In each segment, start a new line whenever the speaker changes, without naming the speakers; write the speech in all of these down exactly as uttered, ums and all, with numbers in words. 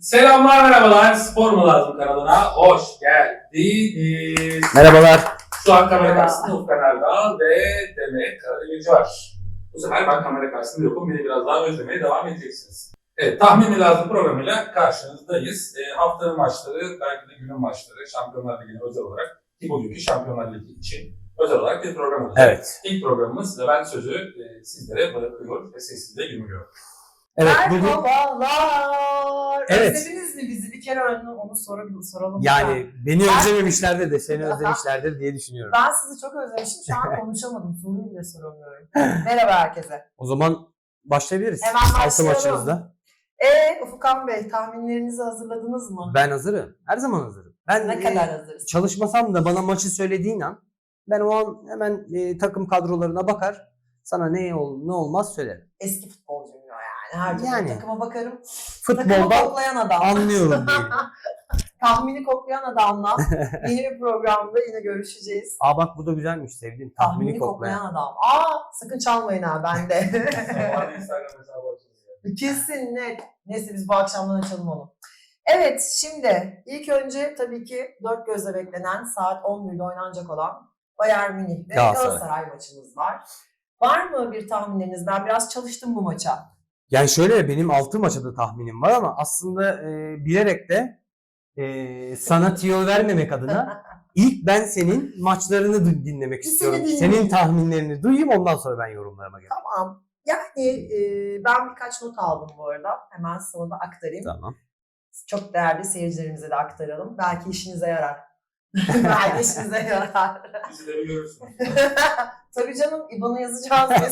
Selamlar, merhabalar. Spor mu lazım kanalına hoş geldiniz.
Merhabalar.
Şu an kamera karşısında Ufkan Erdal ve Demet Karademirci var. Bu sefer ben kamera karşısında yokum. Beni biraz daha özlemeye devam edeceksiniz. Evet, tahmin mi lazım programıyla karşınızdayız. E, haftanın maçları, belki de günün maçları, Şampiyonlar Ligi'ne özel olarak ki bugünkü Şampiyonlar Ligi için özel olarak bir program olacak.
Evet.
İlk programımız ve ben sözü e, sizlere bırakıyor ve sessizliğe gömülüyor.
Evet, bugün
Merhabalar.
Evet.
Özlediniz mi bizi? Bir kere önce onu soralım. soralım
yani beni
Ben-
özlememişlerdir de seni özlemişlerdir diye düşünüyorum.
Ben sizi çok özlemişim. Şu an konuşamadım. Soruyu bile soramıyorum. Merhaba herkese.
O zaman başlayabiliriz.
Hemen
Altı
başlayalım.
maçımızda.
Ee, Ufukan Bey, tahminlerinizi hazırladınız mı?
Ben hazırım. Her zaman hazırım. Ben
Ne
e,
kadar hazırsınız?
çalışmasam da bana maçı söylediğin an ben o an hemen e, takım kadrolarına bakar. Sana ne ol ne olmaz söylerim.
Eski futbolcuyum ya yani. Her türlü
Yani.
takıma bakarım. Takımı
Futbolda
koklayan adam.
anlıyorum diyelim.
Tahmini koklayan adamla yeni bir programda yine görüşeceğiz.
Aa bak bu da güzelmiş, sevdim. Tahmini,
Tahmini koklayan
koklayan.
adam. Aa, sakın çalmayın ha bende.
Sonra Instagram hesabı açacağız.
Kesin net. Neyse biz bu akşamdan açalım onu. Evet, şimdi ilk önce tabii ki dört gözle beklenen saat on birde oynanacak olan Bayern Münih ve
Galatasaray.
Galatasaray maçımız var. Var mı bir tahminleriniz? Ben biraz çalıştım bu maça.
Yani şöyle, benim altı maça da tahminim var ama aslında e, bilerek de e, sana tiyo vermemek adına ilk ben senin maçlarını du- dinlemek
Seni
istiyorum.
dinleyeyim.
Senin tahminlerini duyayım, ondan sonra ben yorumlarıma geleyim.
Tamam. Yani e, ben birkaç not aldım bu arada. Hemen sana da aktarayım.
Tamam.
Çok değerli seyircilerimize de aktaralım. Belki işinize yarar. Belki işinize yarar.
Bizi de bir görürsünüz.
Tabii canım, İ B A N'ı yazacağız biz.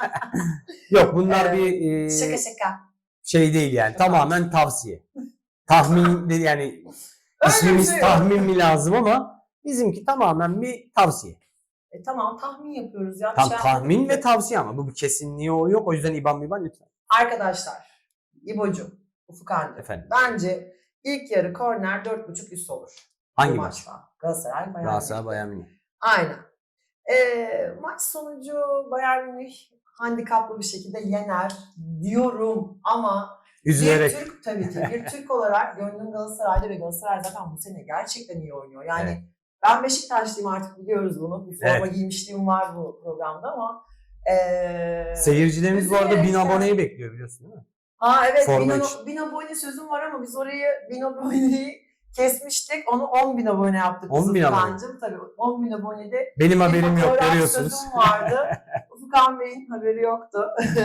Yok, bunlar
Evet.
bir e,
Şaka şaka.
şey değil yani. Tamamen tavsiye. Tahmin de yani
Öyle
ismimiz
bir şey yok.
tahmin mi lazım ama bizimki tamamen bir tavsiye.
E, tamam, tahmin yapıyoruz ya. Bir
Tam
şey
tahmin
yapmadık
ve
ki.
tavsiye ama bu bir kesinliği o yok. O yüzden İban miban lütfen.
Arkadaşlar, İbo'cum, Ufuk Anca.
Efendim.
Bence ilk yarı korner dört buçuk üst olur.
Hangi
Bu
maç?
maçta. Galatasaray, Bayern
Galatasaray
Münih.
Bayern Münih.
Aynen. E, maç sonucu Bayern Münih handikaplı bir şekilde yener diyorum ama
Üzülerek.
bir Türk, tabii ki bir Türk olarak gönlüm Galatasaray'da ve Galatasaray zaten bu sene gerçekten iyi oynuyor. Yani
Evet.
ben Beşiktaşlıyım, artık biliyoruz bunu. Bir forma
Evet.
giymişliğim var bu programda ama e,
Seyircilerimiz bu arada bin
üzülerekten-
aboneyi bekliyor, biliyorsun değil mi?
Aa evet,
Forma
bin,
için.
bin abone sözüm var ama biz orayı bin aboneyi kesmiştik. Onu on bin abone yaptık.
on bin abone.
Ufkancığım. Tabii on bin abonede
Benim
bir
haberim yok,
fotoğraf
görüyorsunuz.
sözüm vardı. Ufkan Bey'in haberi yoktu.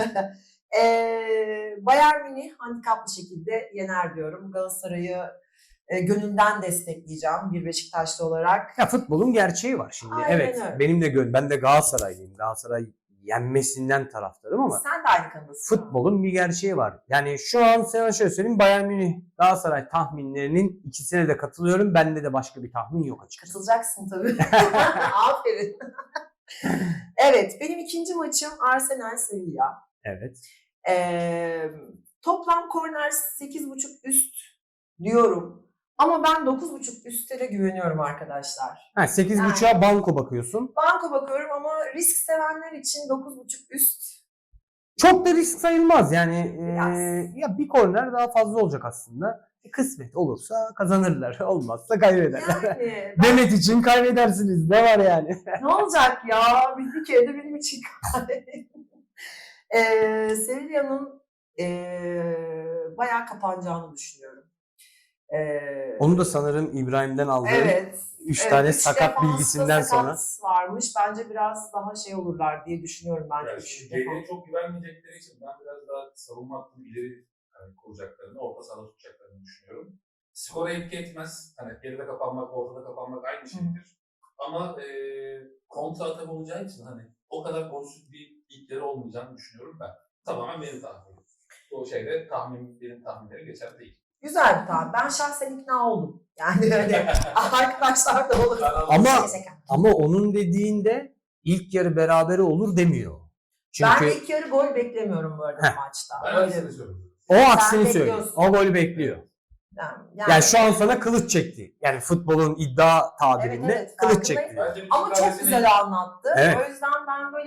ee, Bayern Münih handikaplı şekilde yener diyorum. Galatasaray'ı e, gönülden destekleyeceğim bir Beşiktaşlı olarak.
Ya futbolun gerçeği var şimdi.
Aynen
Evet.
öyle.
Benim de gön ben de Galatasaraylıyım. Galatasaray yenmesinden taraftarım ama
Sen de aynı kanalısın.
futbolun bir gerçeği var. Yani şu an sana şöyle söyleyeyim, Bayern Münih Galatasaray tahminlerinin ikisine de katılıyorum. Bende de başka bir tahmin yok açıkçası.
Katılacaksın tabii. Aferin. Evet, benim ikinci maçım Arsenal Sevilla.
Evet.
Ee, toplam korner sekiz buçuk üst diyorum. Ama ben dokuz buçuk üstte de güveniyorum arkadaşlar.
Ha, sekiz
Yani.
buçuğa banko bakıyorsun.
Banko bakıyorum ama risk sevenler için dokuz buçuk üst.
Çok da risk sayılmaz yani.
Biraz.
eee, ya bir korner daha fazla olacak aslında. Kısmet olursa kazanırlar. Olmazsa kaybederler.
Yani ben-
Demet için kaybedersiniz. Ne var yani?
ne olacak ya? Bir, bir kere de benim için kaybedin. ee, Sevilla'nın ee, bayağı kapanacağını düşünüyorum. Ee,
Onu da sanırım İbrahim'den aldığım
Evet.
üç
evet,
tane
üç
sakat
defansta
bilgisinden
sakat
sonra.
varmış. Bence biraz daha şey olurlar diye düşünüyorum ben.
Yani
üç
şimdi
defans.
geriye çok güvenmeyecekleri için ben biraz daha savunma hattını ileri hani, kuracaklarını, orta sahada tutacaklarını düşünüyorum. Skora etki etmez. Hani geride kapanmak, ortada kapanmak aynı şeydir. Ama e, kontra atak olacağı için hani o kadar golsüz bir ilkleri olmayacağını düşünüyorum ben. Tamamen benim tahminim. Bu şeyde tahmin, benim tahminleri geçer değil.
Güzel bir tahmin. Ben şahsen ikna oldum. Yani öyle arkadaşlar da olur.
Ama
Şaka şaka.
ama onun dediğinde ilk yarı berabere olur demiyor. Çünkü
Ben ilk yarı gol beklemiyorum bu arada
Heh.
maçta.
Ben
Öyle.
aksini söylüyorum.
o aksini
Sen
söylüyor.
bekliyorsun.
O golü bekliyor.
Yani,
Yani şu an sana kılıç çekti. Yani futbolun iddia tabirinde
Evet, evet,
kılıç
farkındayım.
çekti.
Bence bütün
ama çok
kalesini-
güzel anlattı.
Evet.
O yüzden ben böyle bir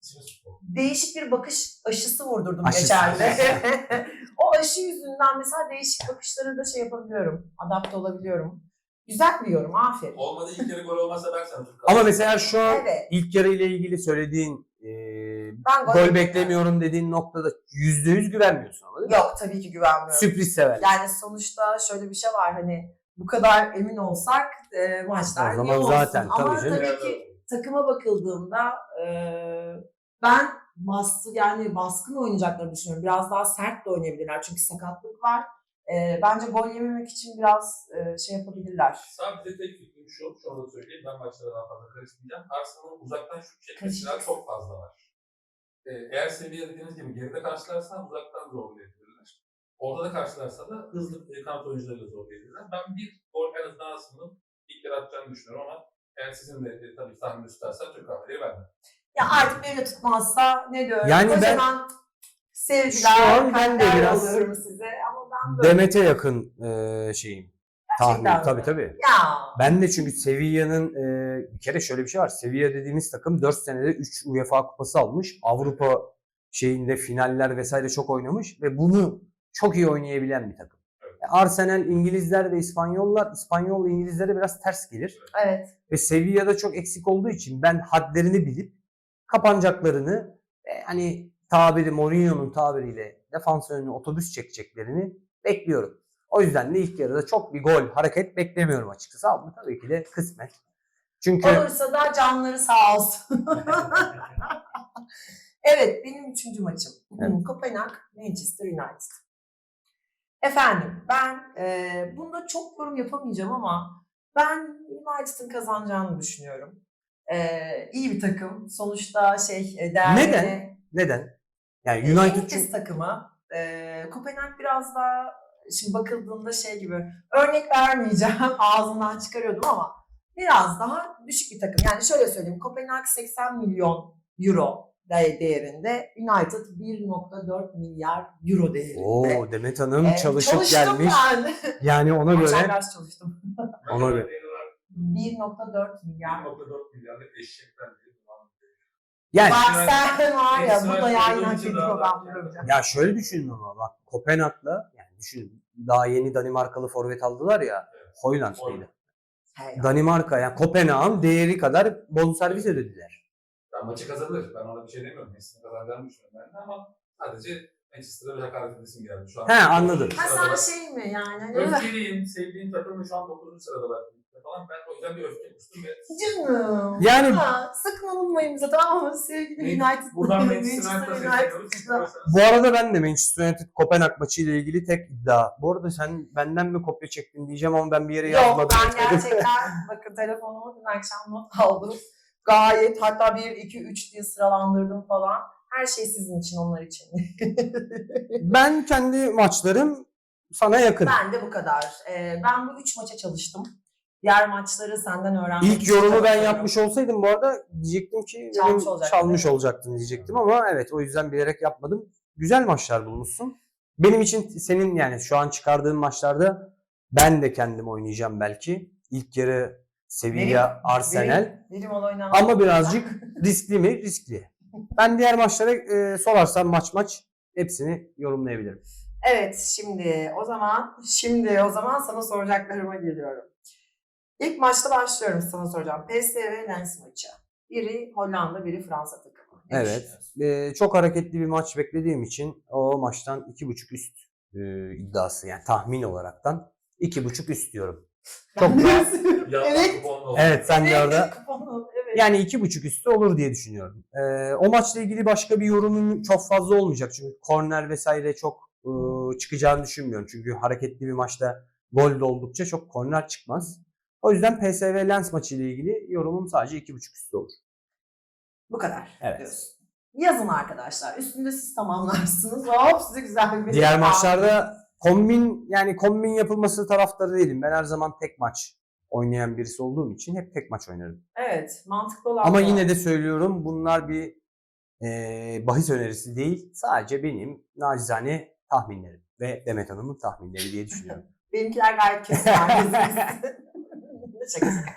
İçimiz futbol.
Değişik bir bakış aşısı vurdurdum
Aşısı.
geçen de. O aşı yüzünden mesela değişik bakışlara da şey yapabiliyorum. Adapte olabiliyorum. Güzel bir yorum. Aferin.
Olmadı ilk yarı gol olmazsa ben sana Türk
Ama mesela şu an
Evet.
ilk yarı ile ilgili söylediğin e,
Ben
gol beklemiyorum dediğin noktada yüzde yüz güvenmiyorsun ama değil mi?
Yok, tabii ki güvenmiyorum.
Sürpriz sever.
Yani sonuçta şöyle bir şey var, hani bu kadar emin olsak e, maçlar
O zaman
iyi olsun.
zaten,
Ama
tabii canım.
tabii ki takıma bakıldığında e, ben bastı yani baskın oynayacaklarını düşünüyorum. Biraz daha sert de oynayabilirler çünkü sakatlık var. E, bence gol yememek için biraz e, şey yapabilirler.
Sadece tek fikrim şu, şunu da söyleyeyim, ben maçlara daha fazla karışmayacağım. Arsenal'ın uzaktan şut çekmesinden
Karışacak.
çok fazla var. Ee, eğer seviye dediğiniz gibi geride karşılarsa uzaktan zorlayabilirler. Orada da karşılarsa da hızlı e, kanat oyuncularıyla zorlayabilirler. Ben bir gol en azından Arsenal'ın ilk yarı atacağını düşünüyorum ama eğer sizin de e, tabii tahmini tutarsa Türk kahveleri vermem.
Ya artık beni de tutmazsa ne diyorum?
Yani
o
ben-
zaman sevgiler,
Şu an ben de
kalpler
biraz
yolluyorum size ama ben böyle.
Demet'e yakın e, şeyim. Tahmin.
Gerçekten
Tabii
mi?
tabii.
Ya.
Ben de çünkü Sevilla'nın e, bir kere şöyle bir şey var. Sevilla dediğimiz takım dört senede üç UEFA kupası almış. Avrupa şeyinde finaller vesaire çok oynamış ve bunu çok iyi oynayabilen bir takım.
Evet.
Arsenal, İngilizler ve İspanyollar, İspanyol İngilizlere biraz ters gelir.
Evet.
Ve Sevilla'da çok eksik olduğu için ben hadlerini bilip kapanacaklarını e, hani tabiri Mourinho'nun tabiriyle defans önüne otobüs çekeceklerini bekliyorum. O yüzden de ilk yarıda çok bir gol, hareket beklemiyorum açıkçası. Ama tabii ki de kısmet. Çünkü
Olursa da canları sağ olsun. Evet, benim üçüncü maçım.
Evet.
Kopenhag, Manchester United. Efendim, ben e, bunda çok yorum yapamayacağım ama ben United'ın kazanacağını düşünüyorum. E, iyi bir takım. Sonuçta şey e, değerli.
Neden? neden? Yani
United
United
İngiliz
çünkü
takımı. E, Kopenhag biraz daha şimdi bakıldığında şey gibi, örnek vermeyeceğim, ağzımdan çıkarıyordum ama biraz daha düşük bir takım. Yani şöyle söyleyeyim, Kopenhag seksen milyon euro değerinde, United bir virgül dört milyar euro değerinde.
Oo, Demet Hanım
Ee,
çalışıp
çalıştım
gelmiş.
Yani.
Yani ona göre
Geçen ders çalıştım.
Ona göre.
bir virgül dört milyar.
bir nokta dört milyarlık eşekten diye.
yani
Bak sen var ya, bu da
Ekstra
yayın
olduğu
hak
için
ediyor,
daha da-
ben bulacağım.
ya şöyle düşünün ama bak Kopenhag'la yani düşünün daha yeni Danimarkalı forvet aldılar ya, Højlund mıydı?
Hey,
Danimarka yani Kopenhag'ın değeri kadar bonservis ödediler.
Ben maçı kazanır. Ben ona bir şey demiyorum. Messi'nin kazanacağını düşünüyorum ben de ama sadece Manchester'a bir hakaret edesim geldi. Şu an
He, anladım.
ha
sıradalar.
sen şey mi yani? Hani-
Öfkeliyim, sevdiğim takımın şu an dokuzuncu sıradalar falan. Ben o yüzden bir öfke kustum ve
Canım.
Yani-
Ha, sakın alınmayın bize, tamam mı? Sevgili United.
buradan Manchester United'a sesleniyoruz.
Bu arada ben de Manchester United Kopenhag maçı ile ilgili tek iddia. Bu arada sen benden mi kopya çektin diyeceğim ama ben bir yere
Yok,
yazmadım.
ben gerçekten bakın telefonumu dün akşam not aldım. Gayet, hatta bir, iki, üç diye sıralandırdım falan. Her şey sizin için, onlar için.
Ben kendi maçlarım sana yakın.
Ben de bu kadar. Ee, ben bu üç maça çalıştım. Diğer maçları senden öğrenmek
İlk
için
yorumu ben
çalışıyorum.
yapmış olsaydım bu arada diyecektim ki
Çalmış
benim
olacaktın,
çalmış
evet.
olacaktın diyecektim ama evet o yüzden bilerek yapmadım. Güzel maçlar bulmuşsun. Benim için senin yani şu an çıkardığın maçlarda ben de kendim oynayacağım belki. İlk yarı Sevilla,
Benim-
Arsenal
Benim, benim ol oynanan-
ama birazcık riskli mi? Riskli. Ben diğer maçlara e, sorarsan maç maç hepsini yorumlayabilirim.
Evet, şimdi o zaman şimdi o zaman sana soracaklarıma geliyorum. İlk maçta başlıyorum, sana soracağım. P S V Lens maçı. Biri Hollanda, biri Fransa takımı. Ne
Evet.
düşünüyorsun?
E, çok hareketli bir maç beklediğim için o maçtan iki buçuk üst e, iddiası yani tahmin olaraktan iki buçuk üst diyorum. Çok
Ben de
daha-
istiyorum.
Ya,
Evet.
kuponlu oldu.
Evet sen de orada
Kuponu, evet.
yani iki buçuk üstü olur diye düşünüyorum. Ee, o maçla ilgili başka bir yorumum çok fazla olmayacak. Çünkü korner vesaire çok e, çıkacağını düşünmüyorum. Çünkü hareketli bir maçta gol de oldukça çok korner çıkmaz. O yüzden P S V Lens maçı ile ilgili yorumum sadece iki buçuk üstü olur.
Bu kadar
Evet.
diyorsun. Yazın arkadaşlar. Üstünde siz tamamlarsınız. Hop, size güzel bir
Diğer maçlarda kombin yani kombin yapılması taraftarı değilim. Ben her zaman tek maç oynayan birisi olduğum için hep tek maç oynarım.
Evet, mantıklı olan
Ama
bu.
yine de söylüyorum bunlar bir e, bahis önerisi değil. Sadece benim nacizane tahminlerim ve Demet Hanım'ın tahminleri diye düşünüyorum.
Benimkiler gayet kesin. Şaka şaka.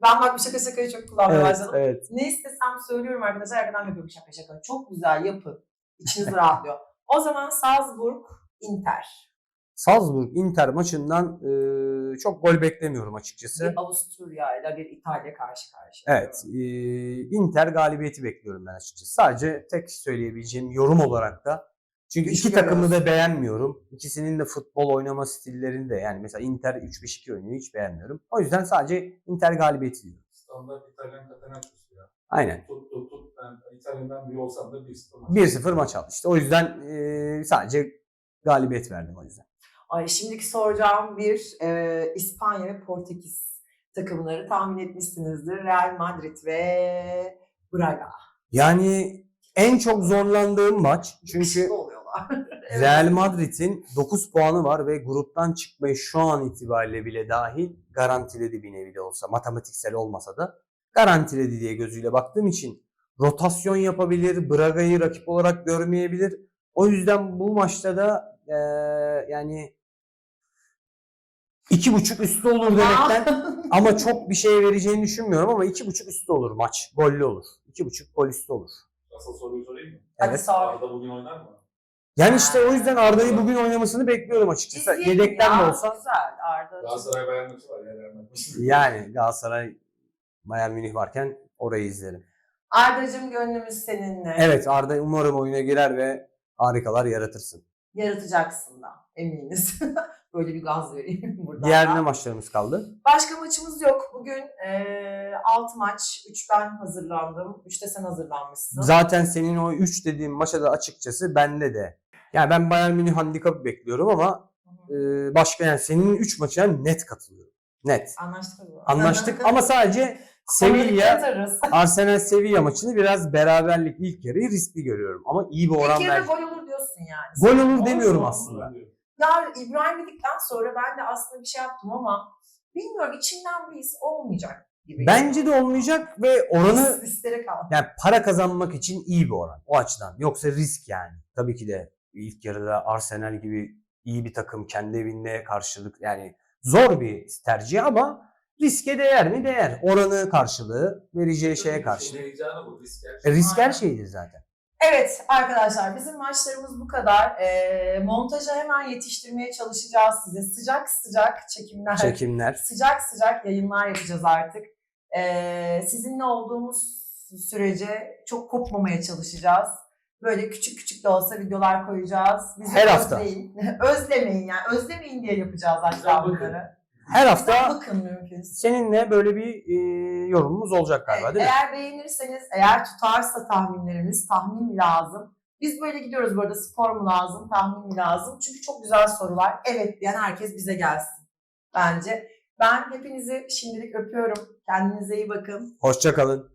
Ben bak bu şaka şakayı çok kullanmaya
Evet,
başladım.
evet.
Ne istesem söylüyorum arkadaşlar. Arkadan yapıyorum şaka şaka. Çok güzel yapın. İçiniz rahatlıyor. O zaman Salzburg, Inter.
Salzburg Inter maçından e, çok gol beklemiyorum açıkçası.
Bir Avusturya ile bir İtalya karşı karşıya.
Evet, e, Inter galibiyeti bekliyorum ben açıkçası. Sadece tek söyleyebileceğim yorum olarak da, çünkü
Güçlü
iki takımı da
görüyorsun.
beğenmiyorum. İkisinin de futbol oynama stillerini de, yani mesela Inter üç beş iki oynuyor, hiç beğenmiyorum. O yüzden sadece Inter galibiyeti diyorum.
Standart İtalyan Catenacci'si ya.
Aynen.
Tut tut tut. Ben İtalyan'dan biri olsam da bir sıfır maç.
bir sıfır maç aldı işte. O yüzden e, sadece galibiyet verdim o yüzden.
Ay şimdiki soracağım bir e, İspanya ve Portekiz takımları tahmin etmişsinizdir. Real Madrid ve Braga.
Yani en çok zorlandığım maç, çünkü
Yakışıklı oluyorlar. Evet.
Real Madrid'in dokuz puanı var ve gruptan çıkmayı şu an itibariyle bile dahil garantiledi, bir nevi de olsa, matematiksel olmasa da garantiledi diye gözüyle baktığım için rotasyon yapabilir, Braga'yı rakip olarak görmeyebilir. O yüzden bu maçta da eee, yani iki buçuk üstü olur demekten ama çok bir şey vereceğini düşünmüyorum, ama iki buçuk üstü olur maç. Gollü olur. iki buçuk gol üstü olur.
Asıl soruyu sorayım mı?
Hadi
Evet.
sor.
Arda bugün oynar mı?
Yani işte o yüzden Arda'yı bugün oynamasını bekliyorum açıkçası.
İzleyelim
Yedekten
ya,
de olsa.
Güzel Arda.
Galatasaray Bayern maçı var ya. Real Madrid.
Yani Galatasaray, Bayern Münih varken orayı izlerim.
Arda'cığım gönlümüz seninle.
Evet, Arda umarım oyuna girer ve harikalar yaratırsın.
Yaratacaksın da eminiz. Böyle bir gaz vereyim buradan.
Diğer
da.
ne maçlarımız kaldı?
Başka maçımız yok. Bugün altı maç. üç ben hazırlandım. üç de sen hazırlanmışsın.
Zaten senin o üç dediğin maça da açıkçası bende de. Yani ben Bayern Münih handikapı bekliyorum ama e, başka, yani senin üç maçına net katılıyorum. Net.
Anlaştık mı?
Anlaştık ama sadece Sevilla,
Yatarız.
Arsenal Sevilla maçını biraz beraberlik ilk yarıyı riskli görüyorum. Ama iyi bir oran
İlk yarıda
ver.
gol olur diyorsun yani.
Gol olur demiyorum
Olsun,
aslında.
olsun diyorum.
Ya İbrahim dedikten sonra ben de aslında bir şey yaptım ama bilmiyorum, içimden bir his olmayacak gibi.
Bence de olmayacak ve oranı,
Listere kaldı.
yani para kazanmak için iyi bir oran o açıdan. Yoksa risk yani. Tabii ki de ilk yarıda Arsenal gibi iyi bir takım kendi evinde karşılık, yani zor bir tercih ama riske değer mi? Değer. Oranı karşılığı, vereceği şeye karşı.
İşin heyecanı bu. Risk her
E,
şey.
risk her
Aynen.
şeydir zaten.
Evet arkadaşlar, bizim maçlarımız bu kadar. Ee, montaja hemen yetiştirmeye çalışacağız size. Sıcak sıcak çekimler,
Çekimler.
sıcak sıcak yayınlar yapacağız artık. Ee, sizinle olduğumuz sürece çok kopmamaya çalışacağız. Böyle küçük küçük de olsa videolar koyacağız. Bizi
Her hafta.
özleyin. Özlemeyin yani. Özlemeyin diye yapacağız hatta
Güzel bakın.
bunları.
Her
Güzel
hafta
bakın mümkünse.
seninle böyle bir e, yorumumuz olacak galiba, değil mi?
Eğer beğenirseniz, eğer tutarsa tahminlerimiz, tahmin lazım. Biz böyle gidiyoruz bu arada, spor mu lazım, tahmin mi lazım? Çünkü çok güzel sorular. Evet diyen herkes bize gelsin bence. Ben hepinizi şimdilik öpüyorum. Kendinize iyi bakın.
Hoşça kalın.